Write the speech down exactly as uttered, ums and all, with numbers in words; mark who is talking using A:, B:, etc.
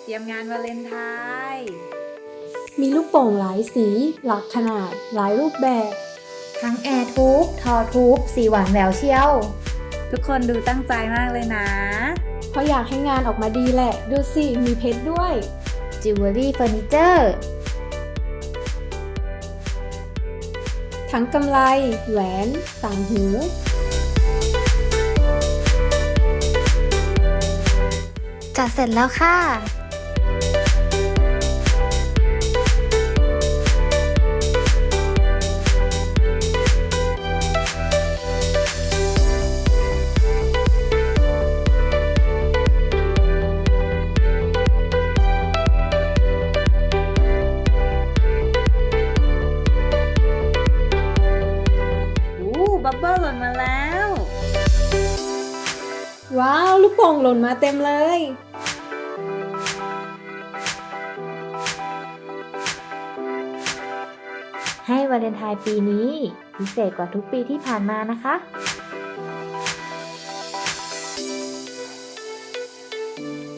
A: เตรียมงานวาเลนไทน์
B: มีลูกโป่งหลายสี หลากขนาด หลายรูปแบบ
C: ทั้งแอร์ทูบทอทูบสีหวานแหววเชียว
A: ทุกคนดูตั้งใจมากเลยนะ
B: เพราะอยากให้งานออกมาดีแหละ ดูสิ มีเพชรด้วย
C: จิวเวลรี่เฟอร์นิเจอร์
B: ทั้งกำไล แหวน ต่างหู
C: จัดเสร็จแล้วค่ะ
A: อู้บับเบิ้ลหล่นมาแล้ว
B: ว้าว ลูกโป่งหล่นมาเต็มเลย
C: ให้วาเลนไทน์ปีนี้พิเศษกว่าทุกปีที่ผ่านมานะคะ
A: ว